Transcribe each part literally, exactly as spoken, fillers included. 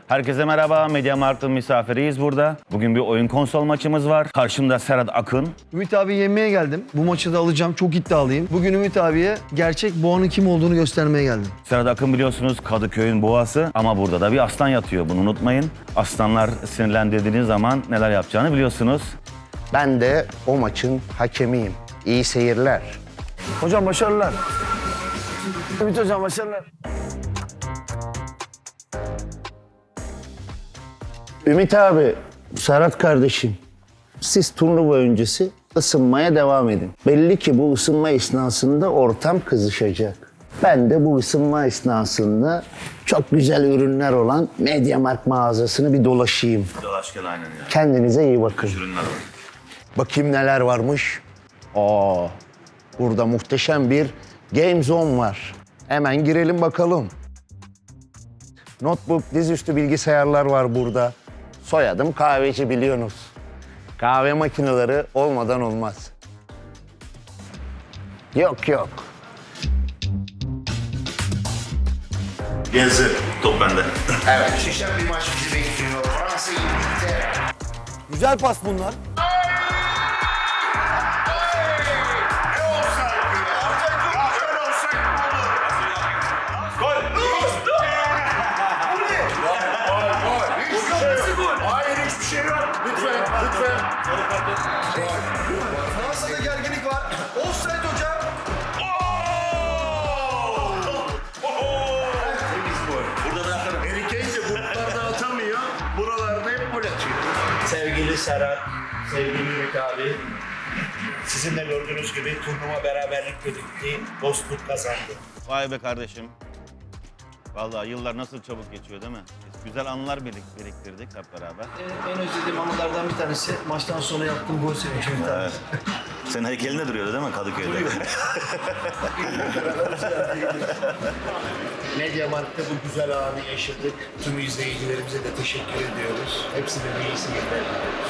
Herkese merhaba, MediaMarkt'ın misafiriyiz burada. Bugün bir oyun konsol maçımız var. Karşımda Serhat Akın. Ümit abi yenmeye geldim. Bu maçı da alacağım, çok iddialıyım. Bugün Ümit abiye gerçek boğanın kim olduğunu göstermeye geldim. Serhat Akın biliyorsunuz Kadıköy'ün boğası ama burada da bir aslan yatıyor. Bunu unutmayın. Aslanlar sinirlendirdiğiniz zaman neler yapacağını biliyorsunuz. Ben de o maçın hakemiyim. İyi seyirler. Hocam başarılar. Ümit hocam başarılar. Ümit abi, Serhat kardeşim, siz turnuva öncesi ısınmaya devam edin. Belli ki bu ısınma esnasında ortam kızışacak. Ben de bu ısınma esnasında çok güzel ürünler olan MediaMarkt mağazasını bir dolaşayım. Dolaşken aynen ya. Kendinize iyi bakın. Ürünler var. Bakayım neler varmış. Aa, burada muhteşem bir Game Zone var. Hemen girelim bakalım. Notebook, dizüstü bilgisayarlar var burada. Soyadım kahveci biliyorsunuz. Kahve makineleri olmadan olmaz. Yok yok. Gezi. Top bende. Evet. Şişen bir maç bizi bekliyor. Fransa İngiltere. Güzel pas bunlar. Fransa'da gerginlik var. Offside hocam. Harry Kane de gruplarda atamıyor, buralarda hep gol atıyor. Sevgili Serhat, sevgili Ümit abi, sizin de gördüğünüz gibi turnuva beraberlik bitti, dostluk kazandı. Vay be kardeşim. Vallahi yıllar nasıl çabuk geçiyor değil mi? Biz güzel anılar birik- biriktirdik hep beraber. En özlediğim anılardan bir tanesi maçtan sonra yaptığım gol sevinci Ümit abi. Senin heykelinde duruyordu değil mi Kadıköy'de? MediaMarkt'ta bu güzel anı yaşadık. Tüm izleyicilerimize de teşekkür ediyoruz. Hepsine bir iyisi gelir.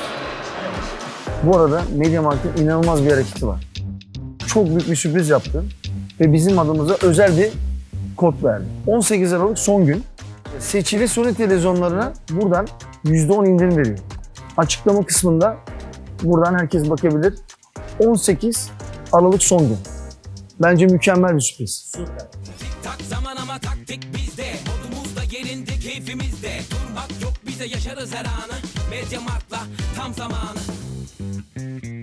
Bu arada MediaMarkt'ın inanılmaz bir hareketi var. Çok büyük bir sürpriz yaptı ve bizim adımıza özel bir kod verdi. on sekiz Aralık son gün. Seçili Sony televizyonlarına buradan yüzde on indirim veriyor. Açıklama kısmında buradan herkes bakabilir. on sekiz Aralık son gün. Bence mükemmel bir sürpriz. Tak zaman ama taktik bizde. Modumuz da yerinde, keyfimizde. Durmak yok, bize yaşarız her anı. MediaMarkt'la tam zamanı.